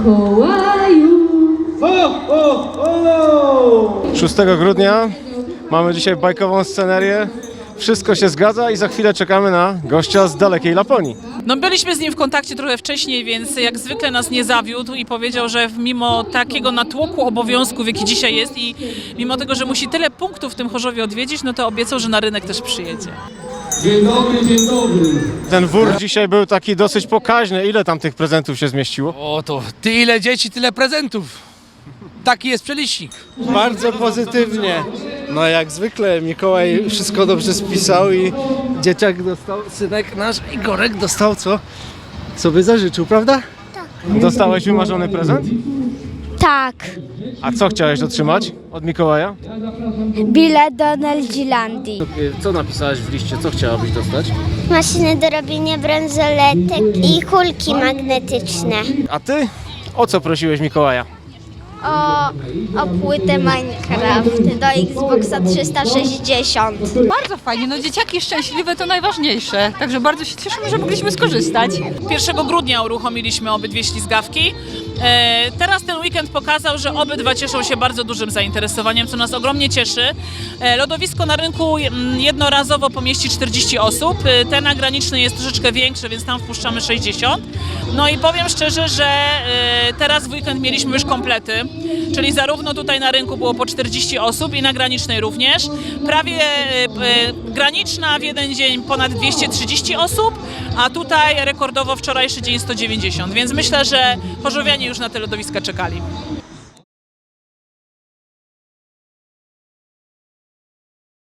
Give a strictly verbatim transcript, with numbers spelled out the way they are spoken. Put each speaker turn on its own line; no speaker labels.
Mikołaju.
Ho, ho, ho!
szóstego grudnia mamy dzisiaj bajkową scenerię. Wszystko się zgadza i za chwilę czekamy na gościa z dalekiej Laponii.
No byliśmy z nim w kontakcie trochę wcześniej, więc jak zwykle nas nie zawiódł i powiedział, że mimo takiego natłoku obowiązków, jaki dzisiaj jest i mimo tego, że musi tyle punktów w tym Chorzowie odwiedzić, no to obiecał, że na rynek też przyjedzie.
Dzień dobry, dzień dobry.
Ten wór dzisiaj był taki dosyć pokaźny. Ile tam tych prezentów się zmieściło?
O to, tyle dzieci, tyle prezentów. Taki jest przelicznik.
Bardzo pozytywnie. No jak zwykle Mikołaj wszystko dobrze spisał i dzieciak dostał, synek nasz Igorek dostał co sobie zażyczył, prawda?
Dostałeś wymarzony prezent?
Tak,
A co chciałeś otrzymać od Mikołaja?
bilet do Neldzilandii.
Co napisałeś w liście? Co chciałabyś dostać?
Maszyny do robienia bransoletek i kulki magnetyczne.
A ty? O co prosiłeś Mikołaja?
O, o płytę Minecraft do Xboxa trzysta sześćdziesiąt.
Bardzo fajnie, no dzieciaki szczęśliwe to najważniejsze, także bardzo się cieszymy, że mogliśmy skorzystać.
pierwszego grudnia uruchomiliśmy obydwie ślizgawki. E, teraz ten weekend pokazał, że obydwa cieszą się bardzo dużym zainteresowaniem, co nas ogromnie cieszy. E, lodowisko na rynku mm, jednorazowo pomieści czterdzieści osób. E, ten graniczny jest troszeczkę większy, więc tam wpuszczamy sześćdziesiąt. No i powiem szczerze, że e, teraz w weekend mieliśmy już komplety, czyli zarówno tutaj na rynku było po czterdzieści osób i na granicznej również. Prawie e, e, graniczna w jeden dzień ponad dwieście trzydzieści osób, a tutaj rekordowo wczorajszy dzień sto dziewięćdziesiąt, więc myślę, że chorzowianie już na te lodowiska czekali.